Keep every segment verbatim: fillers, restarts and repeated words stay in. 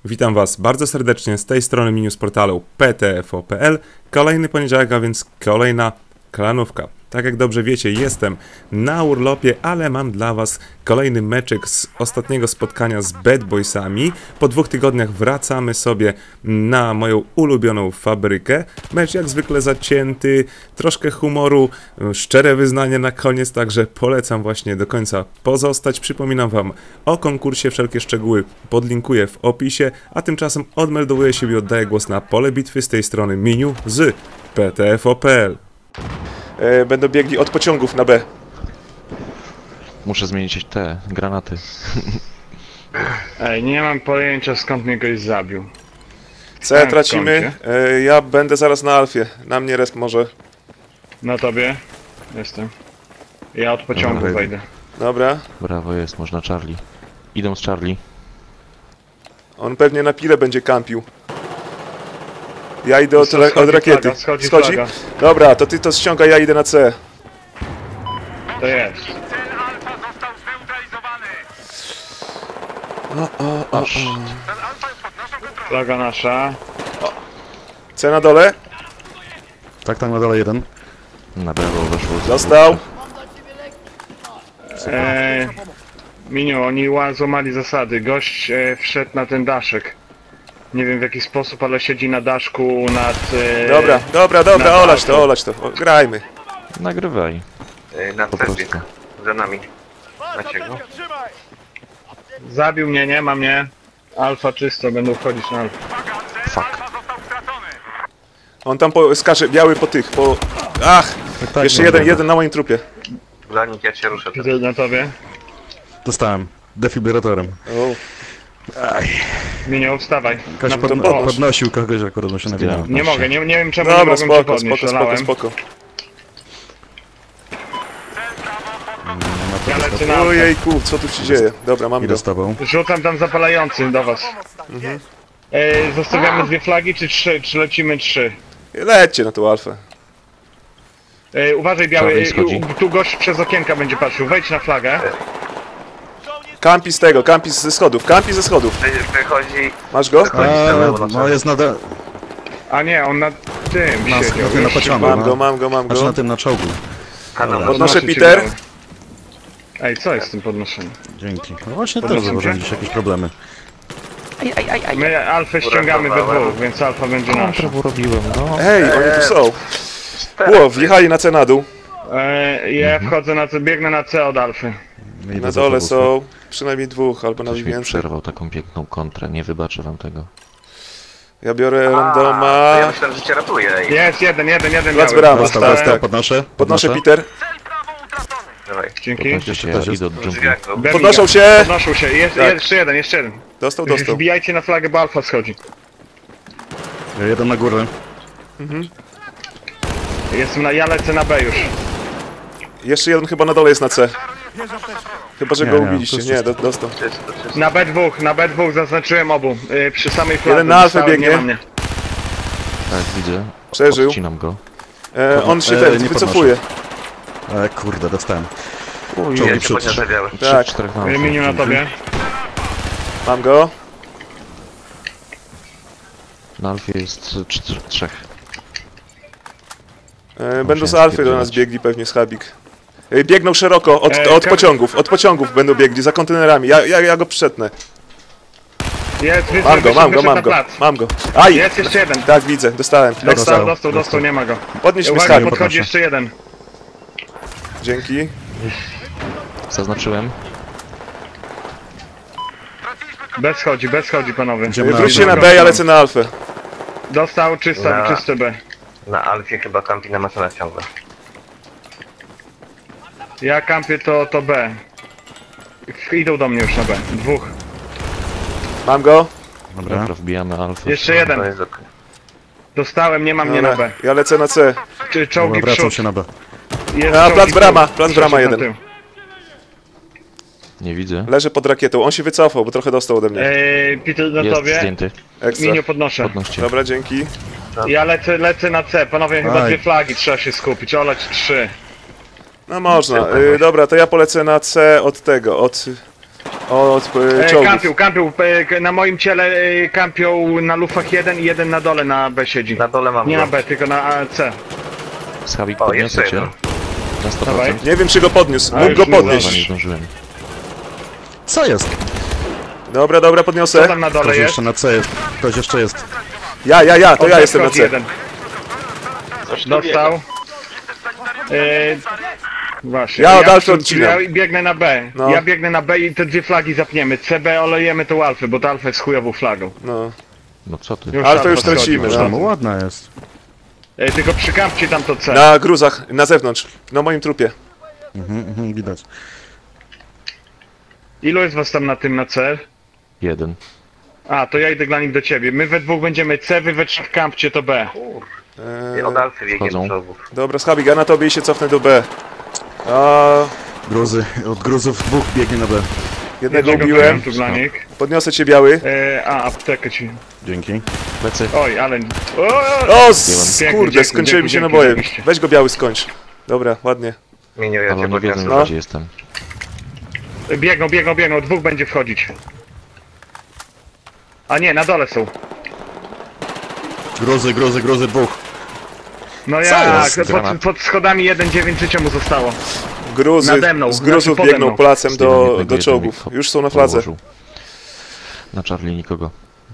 Witam Was bardzo serdecznie z tej strony menu z portalu P T F O kropka P L. Kolejny poniedziałek, a więc kolejna klanówka. Tak jak dobrze wiecie, jestem na urlopie, ale mam dla Was kolejny meczek z ostatniego spotkania z Bad Boysami. Po dwóch tygodniach wracamy sobie na moją ulubioną fabrykę. Mecz jak zwykle zacięty, troszkę humoru, szczere wyznanie na koniec, także polecam właśnie do końca pozostać. Przypominam Wam o konkursie, wszelkie szczegóły podlinkuję w opisie, a tymczasem odmeldowuję się i oddaję głos na pole bitwy z tej strony menu z P T F O kropka P L. Będą biegli od pociągów na B. Muszę zmienić te granaty. Ej, nie mam pojęcia skąd mnie goś zabił. C tracimy. E, ja będę zaraz na Alfie. Na mnie resp może. Na tobie? Jestem. Ja od pociągu Dobra, wejdę. Dobra. Brawo jest, można Charlie. Idą z Charlie. On pewnie na pile będzie kampił. Ja idę od, Schodzi od rakiety. flaga, schodzi Schodzi? flaga. Dobra, to ty to ściągaj, ja idę na C. To jest. Cel Alfa został zneutralizowany. O, o, o, o. Cel Alfa jest pod naszą kontrolą. Flaga nasza. C na dole. Tak, tam na dole jeden. Na brawo weszło. z- Dostał. Eee, Miniu, oni ła- złamali zasady. Gość e, wszedł na ten daszek. Nie wiem w jaki sposób, ale siedzi na daszku nad... E, Dobra, dobra, dobra, na olać daszku. to, olać to. O, grajmy. Nagrywaj. Na Po cepie, prostu. za nami. Macie go? Zabił mnie, nie ma mnie. Alfa czysto, będą wchodzić na alfa. Fuck. Alfa został stracony. On tam po, skacze, biały po tych, po... Ach! Tak, tak, Jeszcze no, jeden, dobra. jeden na moim trupie. Blanik, ja cię ruszę. Widzę na tobie. Dostałem. Defibrylatorem. O. Miniu, wstawaj. Ktoś Na pod, pod... podnoś. podnosił kogoś, akurat mu się nawinął. Nie mogę, nie, nie wiem czemu nie Dobra, mogłem cię spoko, podnieść. spoko, spoko, szalałem. spoko. Ja lecę na alfę. Ojejku, co tu się dzieje? Dobra, mam go. Idę z tobą. Rzucam tam zapalający do was. E, zostawiamy dwie flagi, czy trzy? Czy lecimy trzy? Lećcie na tą Alfę. E, uważaj biały, Czarny e, schodzi. u- tu gość przez okienka będzie patrzył. Wejdź na flagę. Kampi z tego, kampi ze schodów, kampi ze schodów. Wychodzi... Masz go? Chodzi z A, lewo na no czele. jest na, de... A nie, on na tym na, siedział. na, tym, na Już pociągu. Mam no. go, mam go, mam Znaczy go. na tym, na czołgu. Kanał. Podnoszę podnoszę cię, Peter. biały. Ej, co jest z tym podnoszeniem? Dzięki. No właśnie też Podnoszę zauważyłem cię. gdzieś jakieś problemy. My alfę ściągamy we dwóch, więc alfa będzie nasza. Prawo robiłem, no. Ej, oni tu są. Ło, wjechali na C na dół. E, ja wchodzę na C, biegnę na C od alfy. Idę Na za dole tobą. są przynajmniej dwóch, albo Ktoś nawet mi więcej. przerwał taką piękną kontrę, nie wybaczę wam tego. Ja biorę A, to randoma. ja myślałem, że cię ratuje. Ej. Jest jeden, jeden, jeden Plac biały. brawa, Dostał, tak, dostał, tak. podnoszę. Podnoszę podnoszę. Peter. Cel prawo utracony. Dawaj. Dzięki. Podnoście się, też ja jest. idę od W dżungli. drzwiach go. Berliga. Podnoszą się! Podnoszą się, jest, Tak. jeszcze jeden, jeszcze jeden. Dostał, dostał. Wbijajcie na flagę, bo alfa schodzi. Jeden na górę. Jestem na, ja lecę na B już. Jeszcze jeden chyba na dole jest na C. Chyba, że Nie, go nie, ubiliście. to jest Nie, do, dostał. Czysto, czysto. Na B dwa, na B dwa zaznaczyłem obu. Yy, przy samej fladze. Jeden na alfę Dostałem, biegnie. nie ma mnie. Tak, widzę. Przeżył. Odcinam go. E, on się E, ten nie wycofuje. E, kurde, dostałem. Uj, Ja cię przód. podniosę biały. Trzy, Tak. czterech na Yy, Miniu na tobie. Mam go. Na Alfie jest cz- trzech. E, będą z się Alfy do nas spierdzielać. biegli pewnie schabik. E, biegną szeroko, od, E, od ka- pociągów, od pociągów będą biegli, za kontenerami. Ja, ja, ja go przetnę. Jest, wyszedł, Mam go, wyszedł, mam go, wyszedł mam na go. plac. Mam go. Aj! Jest jeszcze jeden. Tak, widzę, dostałem. Dostał, Dostał, dostał, dostał, nie ma go. Podnieś mi Uwaga, schabik. podchodzi podnoszę. jeszcze jeden. Dzięki. Zaznaczyłem. Bez chodzi, bez chodzi panowie. Idziemy na- Wróćcie na B, ja lecę na Alfę. Dostał, czysto, Na- czyste B. Na Alfie chyba kampi na maszynę ciągle. Ja kampię to, to B. Idą do mnie już na B. Dwóch. Mam go. Dobra. Dobra, wbijamy Alfę. Jeszcze jeden. To jest okej. Dostałem, nie ma mnie na Dobra, B. ja lecę na C. Czy Dobra, czołgi wracam przód. się na B. Jest A, czołgi plac przód. brama, plac Przeszedł brama na jeden. tył. Nie widzę. Leży pod rakietą. On się wycofał, bo trochę dostał ode mnie. Eee, Peter na Jest tobie. zdjęty. Ekstra. Miniu podnoszę. Podnoście. Dobra, dzięki. Ja lecę, lecę na C. Panowie, chyba Aj. dwie flagi trzeba się skupić. Olać trzy. No można. Y, dobra, to ja polecę na C od tego, od od e, E, czołgów. kampił, kampił, e, na moim ciele e, kampią na lufach jeden i jeden na dole na B siedzi. Na dole mam Nie go. na B, tylko na A, C. Schabik, O, podniosę jeszcze cię. jeden. Na sto Dawaj. procent. Nie wiem, czy go podniósł. A, Mógł już go nie Dobra, nie podnieść. zdążyłem. Co jest? Dobra, dobra, Co podniosę. tam na dole Ktoś jest? jeszcze na C jest. Ktoś jeszcze jest. Ja, ja, ja, to Od ja B jestem na wchodzi C. jeden. Dostał. E, właśnie. Ja od Alfy przy- odcinam. Ja biegnę na B. No. Ja biegnę na B i te dwie flagi zapniemy. C B olejemy tą Alfę, bo ta Alfa jest chujową flagą. No. No co ty? Już Alfę już Alfa schodzi, tracimy, już no. Tam ładna jest. E, tylko przykampcie tam to C. Na gruzach, na zewnątrz. Na moim trupie. Mhm, mhm, widać. Ilu jest was tam na tym na C? Jeden. A, to ja idę dla nich do ciebie. My we dwóch będziemy C, wy we trzech kampcie to B. Eee, Od Alfy biegnie Wchodzą. do czołgów. dobra, Schabik, ja na tobie i się cofnę do B. A, Gruzy, od gruzów dwóch biegnie na B. jednego Jednego ubiłem. tu dla nich. Podniosę cię, biały. E, a, aptekę ci. Dzięki. Plecy. Oj, ale... O, O, s- Pięknie, kurde, dzięki, skończyły mi dzięki, się dzięki, naboje. zajebiście. Weź go, biały, skończ. Dobra, ładnie. Minio, ja Ale cię oni wiedzą, podniosę. gdzie jestem. biegną, biegną, biegną. Dwóch będzie wchodzić. A nie, na dole są. Gruzy, gruzy, gruzy dwóch. No Co jak? jest? Pod, Granat. pod schodami jeden dziewięć życia mu zostało. Gruzy, Nade mną, z gruzów znaczy pode biegną mną. placem Zdjąłem do, jednego, do jeden czołgów. mi Już są na fladze. położył. Na Charlie nikogo.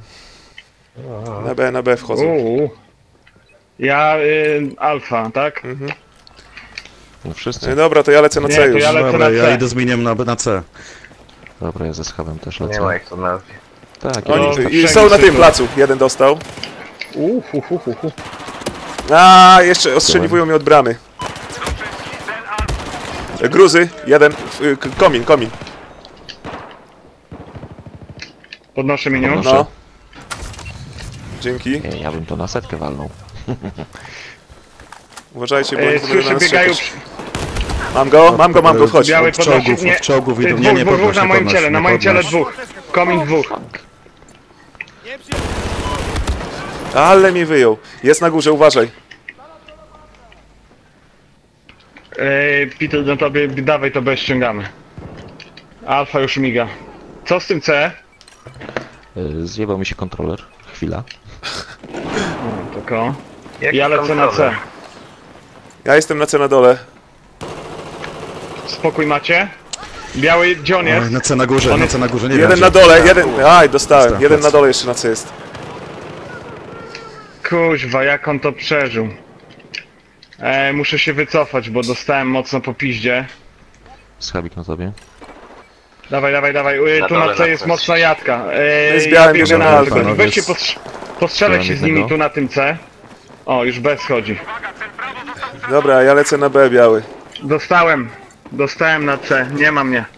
Na B, na B wchodzą. Uuu. Ja, y, alfa, tak? No E, wszyscy. Dobra, to ja lecę na Nie, C to już. ja lecę Dobra, na ja C. idę z miniem na, B- na C. Dobra, ja ze schabem też Nie lecę. ma ich tu na Alfie. Tak, No, ja Oni jestem. i wszędzie są na tym są. placu. Jeden dostał. Uuu, hu, hu, hu, hu. A, jeszcze ostrzeliwują mnie od bramy. E, Gruzy, jeden. y, k- Komin, komin. Podnoszę menu. Podnoszę. No. Dzięki. Nie, ja bym to na setkę walnął. Uważajcie, bo E, oni będą słyszę, na nas biegają... czekać. Mam go, mam go, mam go, chodź. Biały Od podnosi... czołgów, Nie, od czołgów y, idą. dwóch, Nie, nie dwóch, podnoś, dwóch na nie moim podnoś, ciele, nie na moim ciele podnoś. dwóch. Komin dwóch. Ale mi wyjął. Jest na górze, uważaj. Ej, Peter, no tobie, dawaj to B ściągamy. Alfa już miga. Co z tym C? Y, Zjebał mi się kontroler. Chwila. Tylko. Jaki Ja lecę na C. kontroler? Ja jestem na C na dole. Spokój macie? Biały, gdzie on Oj, jest? na C na górze, On na jest- C na górze, nie Jeden wiem. na gdzie. dole, jeden... Aj, dostałem. Dostałem, Jeden na plecy. dole jeszcze na C jest. Kuźwa, jak on to przeżył. E, muszę się wycofać, bo dostałem mocno po piździe. Schabik na tobie. Dawaj, dawaj, dawaj. E, Na tu dole na C na jest C. mocna jadka. E, My z białym biegnę bierzemy na alfę. Alfę. Panowie, Weźcie z- postrz postrzelać się z nimi jednego. tu na tym C. O, już B schodzi. Dobra, ja lecę na B, biały. Dostałem. Dostałem na C. Nie ma mnie.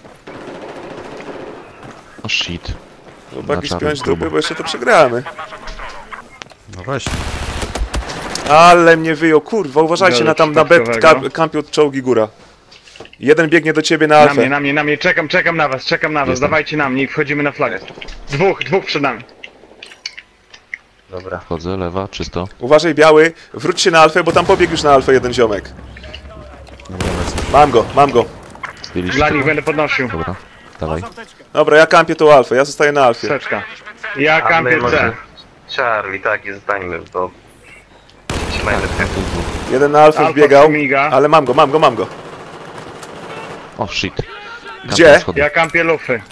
O shit. Chłopaki, Na czarnym spiąć próbę. dupy, bo jeszcze to przegramy. No właśnie. Ale mnie wyjął, kurwa, uważajcie Biorę na tam na B, przypadkowego. ka- kampią czołgi góra. Jeden biegnie do ciebie na Na alfę. mnie, na mnie, na mnie. Czekam, czekam na was, czekam na was. Jestem. Dawajcie na mnie i wchodzimy na flagę. Dwóch, dwóch przed nami. Dobra. Wchodzę, lewa, czysto. Uważaj, biały, wróć się na alfę, bo tam pobiegł już na alfę jeden ziomek. Dobra, lecę. Mam go, mam go. Zdjęliście Dla to? nich będę podnosił. Dobra, dawaj. Dobra, ja kampię tą alfę, ja zostaję na alfie. Seczka. Ja A my kampię C. może... Charlie, tak, i zostańmy, bo... Trzymajmy C. Jeden na alfę Alfa wbiegał, miga. ale mam go, mam go, mam go. O shit. Gdzie? Kampion schody. Ja kampię lufy.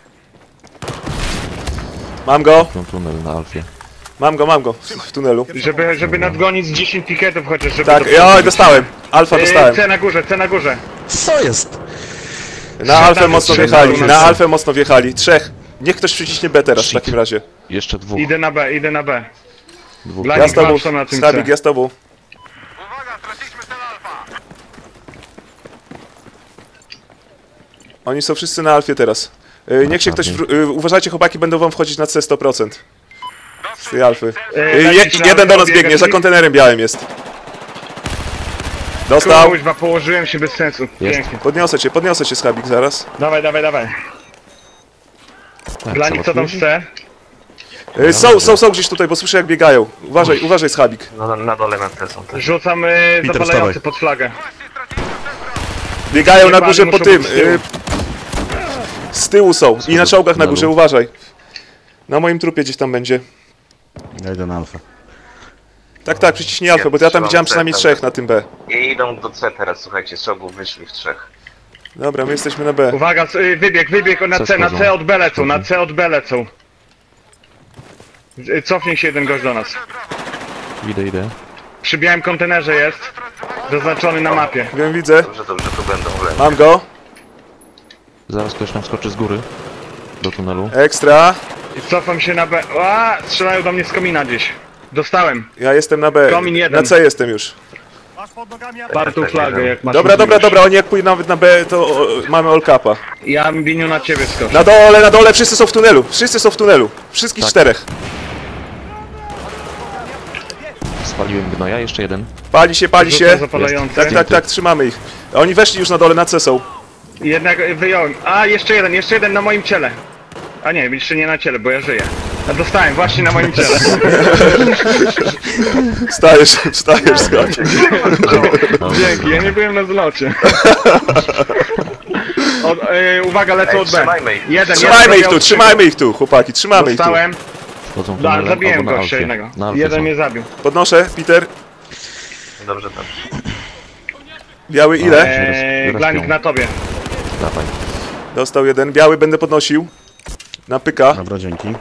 Mam go, Kampion tunel na Alfie. mam go, mam go. W, w tunelu. Żeby, żeby nadgonić z dziesięć piketów chociaż, żeby... Tak, do- ja dostałem. Alfa Yy, dostałem. C na górze, C na górze. Co jest? Na alfę Trzech mocno trzech wjechali, na na C. alfę mocno wjechali. Trzech. Niech ktoś przyciśnie B teraz w Shit. takim razie. Jeszcze dwóch. Idę na B, idę na B. Dwóch. Dla Ja nich z tobą, walczą na tym Schabik, C. ja z tobą. Uwaga, straciliśmy cel alfa. Oni są wszyscy na alfie teraz. Y, Niech się ktoś... wr- y, Uważajcie, chłopaki, będą wam wchodzić na C sto procent. Z tej alfy. Yy, Y, lecisz Je, na jeden do nas biegać. biegnie, za kontenerem białym jest. Dostał. Kuźwa, położyłem się bez sensu. Jest. Pięknie. Podniosę cię, podniosę cię, Schabik, zaraz. Dawaj, dawaj, dawaj. Tak, Dla nich co tam w C? Y, Są, są, są gdzieś tutaj, bo słyszę jak biegają. Uważaj, uważaj, Schabik. No, na, na dole na C są też. Rzucam yy, Peter, zapalający wstawaj. pod flagę. Biegają na Jebany górze po muszą tym. być z tyłu. Y, Z tyłu są i na czołgach na tunelu. górze, uważaj. Na moim trupie gdzieś tam będzie. Ja idę na alfę. Tak, tak, przyciśnij alfę, bo ja tam widziałem przynajmniej trzech na tym B. I idą do C teraz, słuchajcie, z czołgów wyszli w trzech. Dobra, my jesteśmy na B. Uwaga, c- y, wybieg, wybieg na Co C, na schodzą? C od B lecą, na C od B lecą. Y, Cofnij się jeden gość do nas. Idę, idę. Przy białym kontenerze jest, zaznaczony na mapie. Wiem, widzę. Dobrze, dobrze, tu będą w lewo. Mam go. Zaraz ktoś nam skoczy z góry. Do tunelu. Ekstra. I cofam się na B. A, strzelają do mnie z komina gdzieś. Dostałem. Ja jestem na B. Komin jeden. Na C jestem już. Partu flagę, jak masz Dobra, dobra, możliwość. dobra, oni jak pójdą nawet na B, to o, mamy all capa. Ja Biniu na ciebie skoczę. Na dole, na dole, wszyscy są w tunelu. Wszyscy są w tunelu. Wszystkich Tak. czterech. Spaliłem gnoja, jeszcze jeden. Pali się, pali Rzucę się. zapalający. Tak, tak, tak, trzymamy ich. Oni weszli już na dole, na C są. Jednak wyjąłem. A, jeszcze jeden, jeszcze jeden na moim ciele. A nie, jeszcze nie na ciele, bo ja żyję. A dostałem właśnie na moim ciele. Wstajesz, wstajesz, skoczy. Dzięki, ja nie byłem na zlocie. Od, e, uwaga, lecę Ej, od B. trzymajmy ich. Jeden, Trzymajmy jeden ich tu, trzymajmy ich tu, chłopaki, trzymamy ich tu. Dostałem. Wchodzą Da, tunelem zabiłem albo na gościa alfie. jednego. Na alfie Jeden są. mnie zabił. Podnoszę, Peter. Dobrze, dobrze. Biały ile? Eee, Zaraz Glanik ją. na tobie. Dawaj. Dostał jeden. Biały będę podnosił. Na pyka. Dobra, dzięki.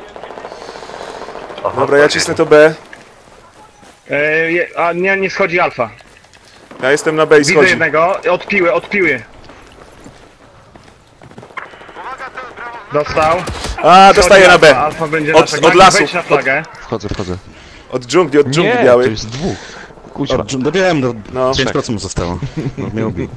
Oho, Dobra, ja tak cisnę jest. to B. Eee, je- a nie, nie schodzi alfa. Ja jestem na B i Widzę schodzi. jednego. Odpiły, odpiły. Dostał. A, dostaję Schodzi na B. Alfa, alfa będzie Od- nasza. od Glanik, lasu. wejdź na flagę. Wchodzę, wchodzę. Od dżungli, od dżungli Nie, to biały. jest dwóch. Kuźwa. O, dobiłem, do No. pięć procent mu zostało. No, mnie ubił.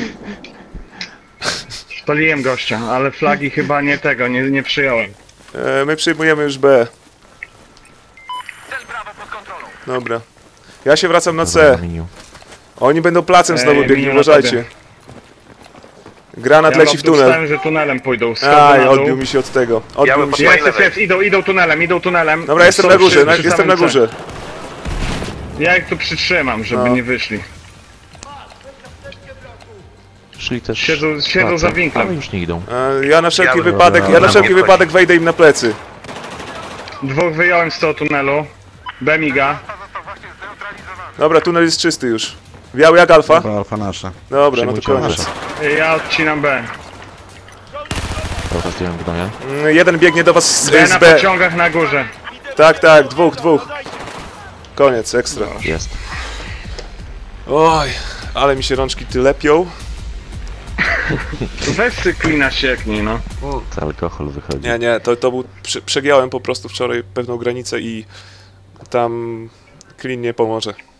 Spaliłem gościa, ale flagi chyba nie tego, nie, nie przyjąłem. E, my przyjmujemy już B. Cel Brawo pod kontrolą. Dobra. Ja się wracam na Dobra, C. na miniu. Oni będą placem znowu Ej, biegli, miniu na uważajcie. tobie. Granat Ja leci w tunel. dostałem, że tunelem pójdą. Schodzę Aj, na dół. odbił mi się od tego. Odbił Biały mi pod się. Jest, mojej jest, lewej. jest, idą, idą tunelem, idą tunelem. Dobra, jestem Są na górze, przy- na, przy jestem na samym C. górze. Ja ich tu przytrzymam, żeby No. nie wyszli. Szli też... Siedzą- siedzą pracę, za winklem. Ale już nie idą. E, ja na wszelki Biały, wypadek, dobra, ja na na wszelki mnie wypadek wejdę im na plecy. Dwóch wyjąłem z tego tunelu. Bemiga. Został właśnie zneutralizowany. Dobra, tunel jest czysty już. Biały jak alfa? Dobra, alfa nasza. Dobra, no to Przyjmujcie koniec. Ja odcinam B. Dobra, zdjąłem gnoja. Mm, Jeden biegnie do was z, B z na B. pociągach na górze. Tak, tak, dwóch, dwóch. Koniec, ekstra. Jest. Oj, ale mi się rączki ty lepią. Weź cyklina sieknij, no. To alkohol wychodzi. Nie, nie, to, to był... Prze przegiąłem po prostu wczoraj pewną granicę i tam klin nie pomoże.